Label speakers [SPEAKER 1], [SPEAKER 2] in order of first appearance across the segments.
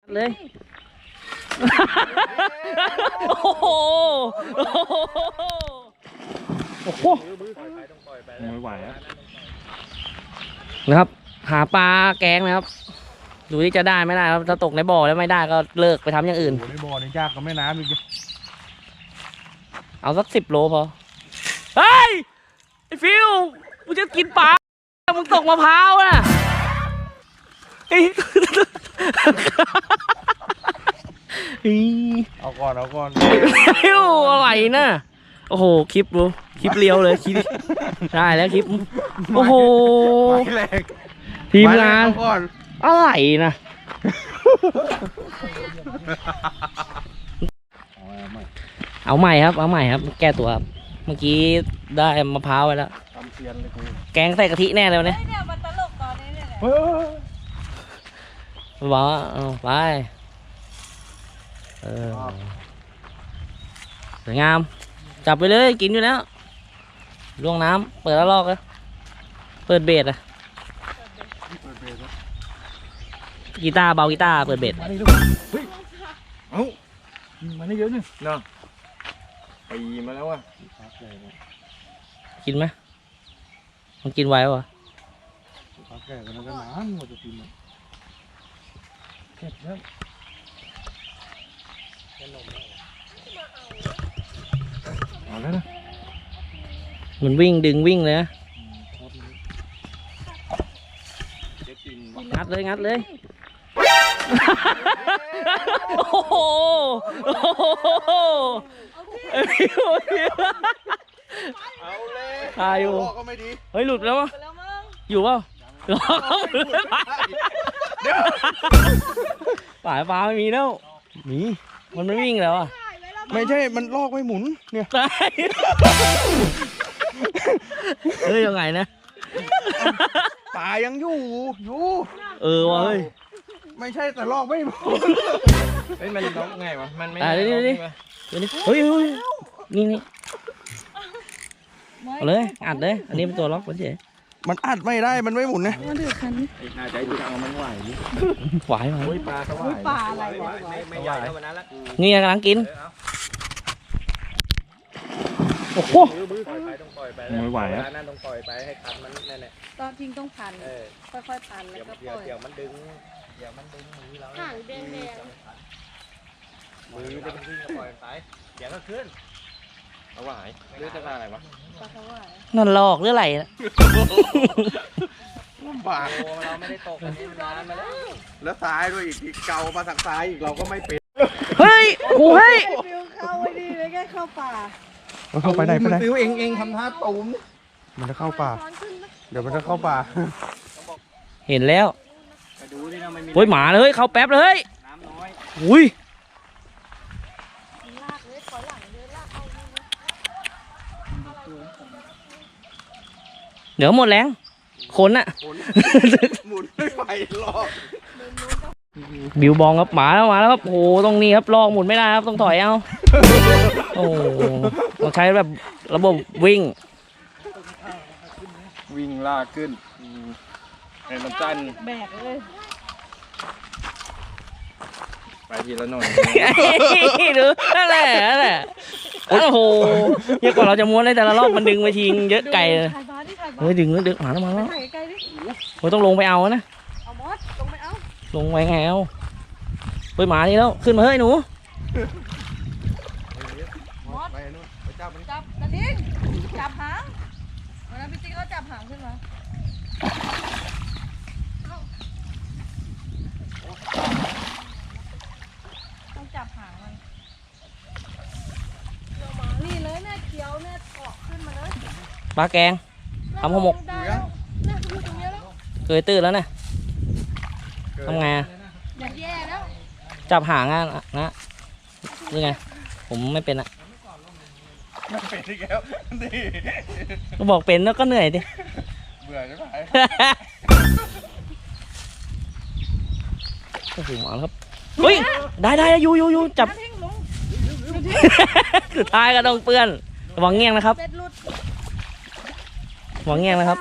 [SPEAKER 1] เลยโอ้โหโอ้โหไม่ไหวแล้วนะครับหาปลาแกงนะครับดูที่จะได้ไม่ได้ครับถ้าตกในบ่อแล้วไม่ได้ก็เลิกไปทำอย่างอื่น
[SPEAKER 2] ในบ่อนี่ยากกับแม่น้ำอีก
[SPEAKER 1] เอาสัก10 โลพอเฮ้ยไอ้ฟิวมึงจะกินปลามึงตกมะพร้าวน่ะ
[SPEAKER 2] เอาก่อน
[SPEAKER 1] ฟิวอะไรน่ะโอ้โหคลิปดูคลิปเลี้ยวเลยคลิปได้แล้วคลิปโอ้โหทีมงานอะไรนะเอาใหม่ครับแก้ตัวครับเมื่อกี้ได้มะพร้าวไปแล้วแกงใส่กะทิแน่เลยเนี่ยมันตลกตอนนี้เนี่ยบอกว่าไปสวยงามจับไปเลยกินอยู่แล้วล่วงน้ำเปิดแล้วลอกเลยเปิดเบสอะกีตาร์เบากีตาร์เปิดเบส
[SPEAKER 2] เอ้ามันได้เยอะนึงเนาะปีมาแล้วอ่ะ
[SPEAKER 1] กินไหมมันกินไว้วะ
[SPEAKER 2] ปลาแก่กันก็นานกว่าจะกินเก็บแล้วเอาแล้วนะ
[SPEAKER 1] มันวิ่งดึงวิ่งเลยนะงัดเลยโอ้โห
[SPEAKER 2] เอาเลย
[SPEAKER 1] ตายอยู่
[SPEAKER 2] ก็ไม่ดี
[SPEAKER 1] เฮ้ยหลุดแล้ววะอยู่เปล่าป่าปลาไม่มีแล้วมีมันไม่วิ่งแล้วอ่ะ
[SPEAKER 2] ไม่ใช่มันลอกไม่หมุนเนี่ย
[SPEAKER 1] ตายเฮ้ยยังไงนะ
[SPEAKER 2] ป่ายังอยู่
[SPEAKER 1] วะเฮ้ย
[SPEAKER 2] ไม่ใช่แต่ลอกไม่หมุนเฮ้ยมันลอกไงวะมันไม่
[SPEAKER 1] ดูนี่เฮ้ยนี่เอาเลยอัดเลยอันนี้เป็นตัวล็อกเฉย
[SPEAKER 2] มันอัดไม่ได้มันไม่หมุนนะ
[SPEAKER 3] น่าจะดูทางมันไหว
[SPEAKER 1] ไหว
[SPEAKER 2] ปลาสวาย
[SPEAKER 3] ปลาอะไรไม่ใหญ่เท่านั้นละ
[SPEAKER 1] นี่กำลังกินโอ้โห
[SPEAKER 3] ต้องปล่อยไป
[SPEAKER 2] ไม่ไหวแล้ว
[SPEAKER 3] นั่นต้องปล่อยไปให้คันมันนั่นแหละ
[SPEAKER 4] ตอนจริงต้องพันค่อยๆพันแล้วก็ปล่อย
[SPEAKER 3] เดี๋ยวมันดึงมือเรา
[SPEAKER 4] ห่างแดง
[SPEAKER 3] มือจะวิ่งก็ปล่อยไปเดี๋ยวก็ขึ้นเอาไหวเรื่องจะมาอะไรวะ
[SPEAKER 4] ปลาสวาย
[SPEAKER 1] นั่นหลอกหรืออะไรนะ
[SPEAKER 2] ลำบาก
[SPEAKER 3] เราไม่ได้ตกกันนี่นานมา
[SPEAKER 2] แล้วซ้ายด้วยอีกเกามาทางซ้ายอีกเราก็ไม่เป็น
[SPEAKER 1] เฮ้ยโอ้ย
[SPEAKER 4] เข้าไว้ดีเลยแค่เข้าป่า
[SPEAKER 2] เข้าไปไหน
[SPEAKER 3] ฟิวเองทำท่าตูม
[SPEAKER 2] มันจะเข้าป่าเดี๋ยวมันจะเข้าป่า
[SPEAKER 1] เห็นแล้วโอ้ยหมาเลยเข้าแป๊บเลย
[SPEAKER 3] น้ำน้อย
[SPEAKER 1] อุ้ยเดี๋ยวหมดแรงคนอะ
[SPEAKER 2] หมุนไม่ไปลอก
[SPEAKER 1] บิวบองครับหมาแล้วครับโอ้โหตรงนี้ครับลอกหมุนไม่ได้ครับต้องถอยเอาโอ้ต้องใช้แบบระบบวิ่ง
[SPEAKER 2] ลากขึ้นให้มันจัน
[SPEAKER 4] แบกเลย
[SPEAKER 2] ไปทีละหน่อย
[SPEAKER 1] ดูนั่นแหละโอ้โหเยอะกว่าเราจะม้วนได้แต่ละรอบมันดึงไปทิ้งเยอะไกลเลยเฮ้ยดึงหมาแล้วโอ้ยต้องลงไปเอานะ
[SPEAKER 4] เอามอสลงไปเอา
[SPEAKER 1] ลงไปไงเอาเฮ้ยหมานี่แล้วขึ้นมาเฮ้ยหนู
[SPEAKER 4] มอสจับนั่นเองจับหางวันนั้นพี่ติ๊กเขาจับหางขึ้นมาต้องจับหางมันนี่เลยแม่เขียวแม่เกาะขึ้นมาเลย
[SPEAKER 1] ปลาแกงทำห่อหมกเคยตื้อแล้วเนี่ยทำไง
[SPEAKER 4] อย่างแย่แล้ว
[SPEAKER 1] จับหางนะนี่ไงผมไม่เป็นอะ
[SPEAKER 2] เป็นที่แล้วนี่
[SPEAKER 1] ก็บอกเป็นแล้วก็เหนื่อยดิ
[SPEAKER 2] เบื่อใช่ไหม
[SPEAKER 1] โอ้โหมาแล้วครับเฮ้ยได้อยู่จับสุดท้ายก็ต้องเปื้อนระวังเงี้ยงนะครับระวังเงี้ยงนะครับ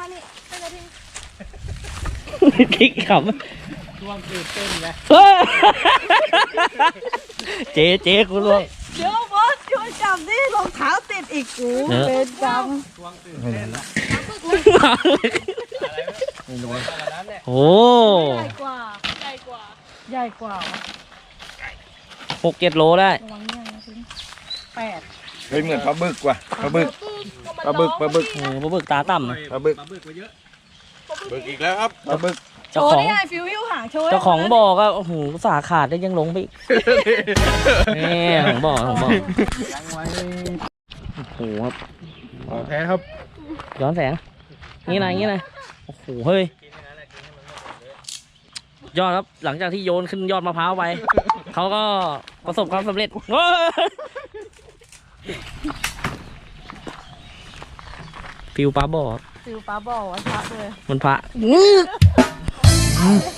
[SPEAKER 1] คิกขำ
[SPEAKER 3] ช่วงตื่นเต้นนะ
[SPEAKER 1] เจ๊กูล่วง
[SPEAKER 4] เดี๋ยวบอสช่วยจับดิรองเท้าติดอีกกู
[SPEAKER 1] เนอะ
[SPEAKER 4] เป็นกรรม
[SPEAKER 2] ไม่ได้ละ
[SPEAKER 1] โอ้
[SPEAKER 4] ใหญ่กว่าใหญ่กว่าใหญ่กว่า
[SPEAKER 1] 6-7 โลได้
[SPEAKER 4] ระวังเนี่ยนะทิ้ง8
[SPEAKER 2] เฮ้ยเหมือนปลาบึกว่ะปลาบึกปลาบึก
[SPEAKER 1] ปลาบึกตาต่ำ
[SPEAKER 2] ปลาบึก
[SPEAKER 3] บึกอีกแล้วครับ
[SPEAKER 2] ปลาบึก
[SPEAKER 4] โช
[SPEAKER 1] เจ้า
[SPEAKER 4] ว์
[SPEAKER 1] ของ
[SPEAKER 4] นี่ไงฟิววิวหางโชว์
[SPEAKER 1] เจ้าของบ่อก็โอ้โหสาขาดได้ยังลงไปอีกนี่ของบ่อโอ้โหครับ
[SPEAKER 2] แพ้ครับ
[SPEAKER 1] ย้อนแสงงี้นะโอ้โหเฮ้ยยอดครับหลังจากที่โยนขึ้นยอดมะพร้าวไปเขาก็ประสบความสำเร็จโอ้ยฟิวปลาบ่อ
[SPEAKER 4] ฟิวปลาบ่อวันพระเลย
[SPEAKER 1] มันพระ